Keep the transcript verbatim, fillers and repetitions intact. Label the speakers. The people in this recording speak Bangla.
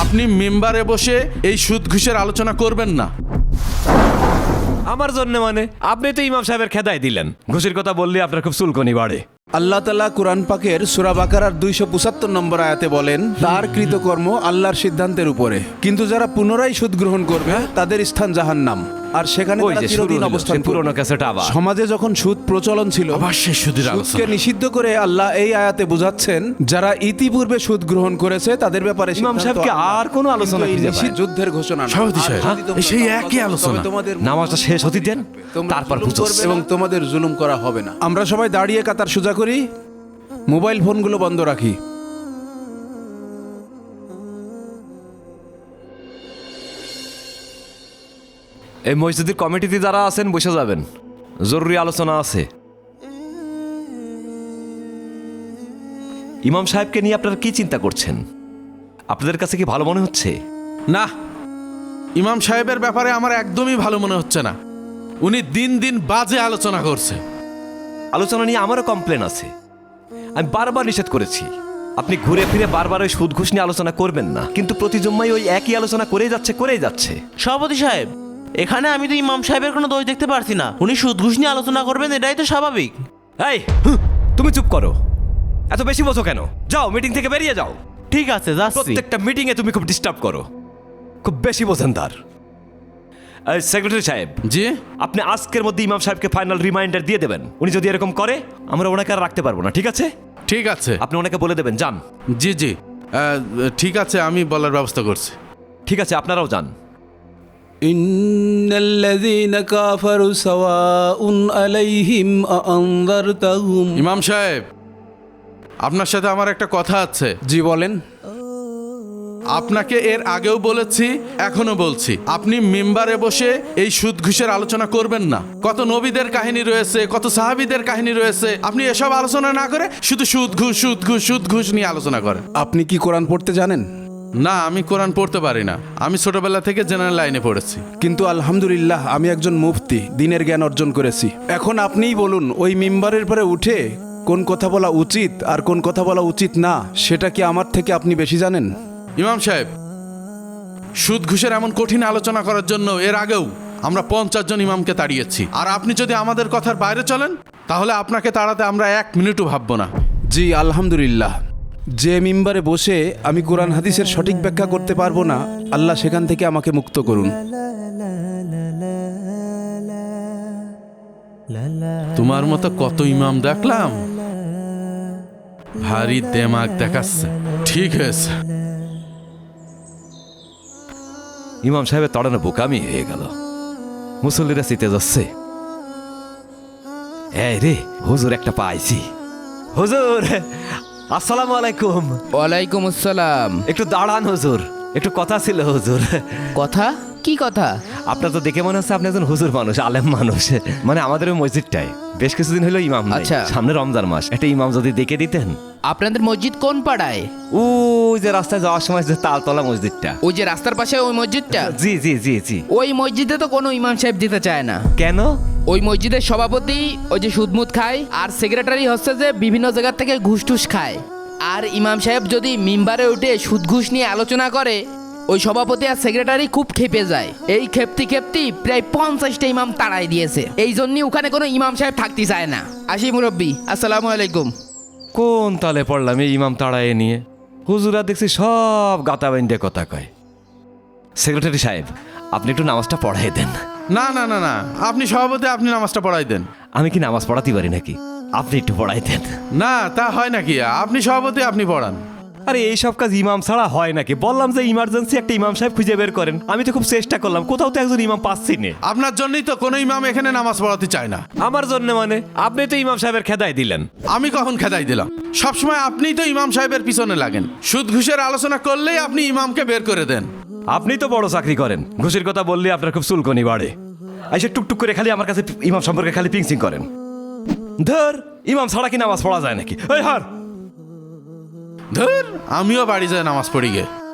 Speaker 1: আপনি মেম্বারে বসে এই সুদ ঘুষের আলোচনা করবেন না।
Speaker 2: আমার জন্য মানে আপনি তো ইমাম সাহেবের খেদাই দিলেন, ঘুষের কথা বললে আপনার খুব চুলকনি বাড়ে।
Speaker 3: আল্লাহ তাআলা কুরআন পাকের সূরা বাকারার দুইশো পঁচাত্তর নম্বর আয়াতে বলেন, তার কৃতকর্ম আল্লাহর সিদ্ধান্তের উপরে, কিন্তু যারা পুনরায় সুদ গ্রহণ করবে তাদের স্থান জাহান্নাম, আর সেখানে
Speaker 2: ওই
Speaker 3: তারা
Speaker 2: যে
Speaker 3: চিরদিন
Speaker 2: শুরু হলো,
Speaker 3: অবস্থান
Speaker 2: সেই পুরনো
Speaker 3: করবে।
Speaker 2: ক্যাসেট আবার।
Speaker 3: সমাজে যখন সুদ প্রচলন ছিল,
Speaker 1: আবার সেই সুদের
Speaker 3: সুদকে
Speaker 1: আলোচনা।
Speaker 3: নিষিদ্ধ করে আল্লাহ এই আয়াতে বোঝাচ্ছেন, যারা ইতিপূর্বে সুদ গ্রহণ করেছে তাদের ব্যাপারে
Speaker 2: ইমাম
Speaker 3: সিদ্ধান্ত
Speaker 2: সাহেবকে
Speaker 3: আল্লাহর।
Speaker 2: আর কোনো আলোচনা
Speaker 3: কিন্তু এই
Speaker 2: খুঁজে পায়
Speaker 3: নিষিদ্ধ যুদ্ধের ঘোষণা না।
Speaker 1: সভাপতি সাহেব,
Speaker 3: আর যদি তোমরা
Speaker 1: সেই
Speaker 3: তওবা
Speaker 1: একই
Speaker 3: করো,
Speaker 1: আলোচনা।
Speaker 3: তবে তোমাদের
Speaker 2: নামাজটা শেষ হতে দেন,
Speaker 3: তোমরা
Speaker 2: তারপর
Speaker 3: জুলুম
Speaker 2: বুঝো।
Speaker 3: করবে এবং তোমাদের জুলুম করা হবে না। আমরা সবাই দাঁড়িয়ে কাতার সোজা করি, মোবাইল ফোনগুলো বন্ধ রাখি।
Speaker 2: এই মসজিদের কমিটিতে যারা আছেন বসে যাবেন, জরুরি আলোচনা আছে। ইমাম সাহেবকে নিয়ে আপনারা কি চিন্তা করছেন? আপনাদের কাছে কি ভালো মনে হচ্ছে?
Speaker 1: না, ইমাম সাহেবের ব্যাপারে আমার একদমই ভালো মনে হচ্ছে না। উনি দিন দিন বাজে আলোচনা করছে।
Speaker 2: আলোচনা নিয়ে আমারও কমপ্লেন আছে। আমি বারবার নিষেধ করেছি আপনি ঘুরে ফিরে বারবার ওই সুদ ঘুষ নিয়ে আলোচনা করবেন না, কিন্তু প্রতি জুম্মায় ওই একই আলোচনা করেই যাচ্ছে করেই যাচ্ছে।
Speaker 4: সভাপতি সাহেব, এখানে আমি তো ইমাম সাহেবের কোনো দোষ দেখতে পারছি না। উনি সুদ ঘুষ নিয়ে আলোচনা করবেন, এটাই তো স্বাভাবিক।
Speaker 2: এই হুঁ, তুমি চুপ করো, এত বেশি বোঝো কেন? যাও মিটিং থেকে বেরিয়ে যাও।
Speaker 4: ঠিক আছে, যাচ্ছি।
Speaker 2: প্রত্যেকটা মিটিং এ তুমি খুব ডিস্টার্ব করো, খুব বেশি বোঝেন তার। সেক্রেটারি সাহেব,
Speaker 1: জি,
Speaker 2: আপনি আজকের মধ্যে ইমাম সাহেবকে ফাইনাল রিমাইন্ডার দিয়ে দেবেন। উনি যদি এরকম করে আমরা ওনাকে আর রাখতে পারবো না, ঠিক আছে?
Speaker 1: ঠিক আছে।
Speaker 2: আপনি ওনাকে বলে দেবেন যান।
Speaker 1: জি জি, আহ, ঠিক আছে, আমি বলার ব্যবস্থা করছি।
Speaker 2: ঠিক আছে, আপনারাও যান।
Speaker 3: ইন্নাল্লাযীনা কাফারু সাওয়াউন আলাইহিম আআনযারতাহুম।
Speaker 1: ইমাম সাহেব, আপনার সাথে আমার একটা কথা আছে।
Speaker 3: জি বলেন।
Speaker 1: আপনাকে এর আগেও বলেছি, এখনো বলছি, আপনি মেম্বারে বসে এই সুদ ঘুষের আলোচনা করবেন না। কত নবীদের কাহিনী রয়েছে, কত সাহাবীদের কাহিনী রয়েছে, আপনি এসব আলোচনা না করে শুধু সুদ ঘুষ সুদ ঘুষ সুদ ঘুষ নিয়ে আলোচনা করেন।
Speaker 3: আপনি কি কোরআন পড়তে জানেন?
Speaker 1: না, আমি কোরআন পড়তে পারি না। আমি ছোটবেলা থেকে জেনারেল লাইনে পড়েছি।
Speaker 3: কিন্তু আলহামদুলিল্লাহ আমি একজন মুফতি, দিনের জ্ঞান অর্জন করেছি। এখন আপনিই বলুন, ওই মিম্বারের পরে উঠে কোন কথা বলা উচিত আর কোন কথা বলা উচিত না, সেটা কি আমার থেকে আপনি বেশি জানেন?
Speaker 1: ইমাম সাহেব, সুদ ঘুষের এমন কঠিন আলোচনা করার জন্য এর আগেও আমরা পঞ্চাশ জন ইমামকে তাড়িয়েছি। আর আপনি যদি আমাদের কথার বাইরে চলেন, তাহলে আপনাকে তাড়াতে আমরা এক মিনিটও ভাববো না।
Speaker 3: জি আলহামদুলিল্লাহ। যে মিম্বারে বসে আমি কোরআন হাদিসের সঠিক ব্যাখ্যা করতে পারবো না, আল্লাহ সেখান থেকে আমাকে মুক্ত করুন।
Speaker 1: তোমার মতো কত ইমাম দেখলাম, ভারী দেমাগ দেখাচ্ছে। ঠিক আছে,
Speaker 2: ইমাম সাহেবের তড়ানো বোকামি হয়ে গেল, মুসল্লিরা শীতে যাচ্ছে। এই রে, হুজুর একটা পাইছি। হুজুর আসসালামু আলাইকুম।
Speaker 5: ওয়ালাইকুম আসসালাম।
Speaker 2: একটু দাঁড়ান হুজুর, একটু কথা ছিল হুজুর।
Speaker 5: কথা? কি কথা?
Speaker 2: আপনার তো দেখে মনে হচ্ছে আপনি একজন হুজুর মানুষ, আলেম মানুষ। মানে আমাদের ওই মসজিদটায় বেশ কিছুদিন হলো ইমাম নাই।
Speaker 5: আচ্ছা।
Speaker 2: সামনে রমজান মাস, একটা ইমাম যদি দেখে দিতেন।
Speaker 5: আপনাদের মসজিদ কোন পাড়ায়?
Speaker 2: ওই যে রাস্তায় যাওয়ার সময় যে তালতলা মসজিদটা।
Speaker 5: ওই যে রাস্তার পাশে ওই মসজিদটা?
Speaker 2: জি জি জি জি।
Speaker 5: ওই মসজিদে তো কোনো ইমাম সাহেব দিতে চায় না।
Speaker 2: কেন?
Speaker 5: ওই মসজিদের সভাপতি ওই যে সুদমুদ খায়, আর সেক্রেটারি হচ্ছে যে বিভিন্ন জায়গা থেকে ঘুষ টুস খায়। আর ইমাম সাহেব যদি মিম্বারে উঠে সুদ ঘুষ নিয়ে আলোচনা করে, ওই সভাপতি আর সেক্রেটারি খুব খেপে যায়। এই খেপতি খেপতি প্রায় পঞ্চাশটা ইমাম তাড়াই দিয়েছে। এই জন্যই ওখানে কোনো ইমাম সাহেব থাকতে চায় না। আসি মুরব্বী, আসসালামু আলাইকুম।
Speaker 2: কোন তালে পড়লাম এই ইমাম তাড়াইয়ে নিয়ে? হুজুরা দেখছি সব গাতা বাইন্ডে কথা কয়। সেক্রেটারি সাহেব, আপনি একটু নামাজটা পড়াই দেন।
Speaker 1: না না না না, আপনি সভাপতি, আপনি নামাজটা পড়াই দেন।
Speaker 2: আমি কি নামাজ পড়াতে পারি নাকি? আপনি একটু পড়াই দেন।
Speaker 1: না, তা হয় নাকি? আপনি সভাপতি, আপনি পড়ান।
Speaker 2: আরে এই সব কাজ ইমাম ছাড়া হয় নাকি? বললাম যে ইমার্জেন্সি একটা ইমাম সাহেব খুঁজে বের করেন। আমি তো খুব চেষ্টা করলাম, কোথাও তো একজন ইমাম পাচ্ছি না।
Speaker 1: আপনার জন্যই তো কোনো ইমাম এখানে নামাজ পড়াতে চায় না।
Speaker 2: আমার জন্য মানে আপনি তো ইমাম সাহেবের খেদাই দিলেন।
Speaker 1: আমি কখন খেদাই দিলাম? সবসময় আপনিই তো ইমাম সাহেবের পিছনে লাগেন। সুদ ঘুষের আলোচনা করলেই আপনি ইমামকে বের করে দেন।
Speaker 2: আপনি তো বড় চাকরি করেন, ঘুষের কথা বললে আপনার খুব চুলকনি বাড়ে। এসে টুকটুক করে খালি আমার কাছে ইমাম সম্পর্কে খালি পিংচিং করেন। ধর, ইমাম ছাড়া কি নামাজ পড়া যায় নাকি? এই হার
Speaker 1: ধর, আমিও বাড়ি যাই নামাজ পড়ি গে।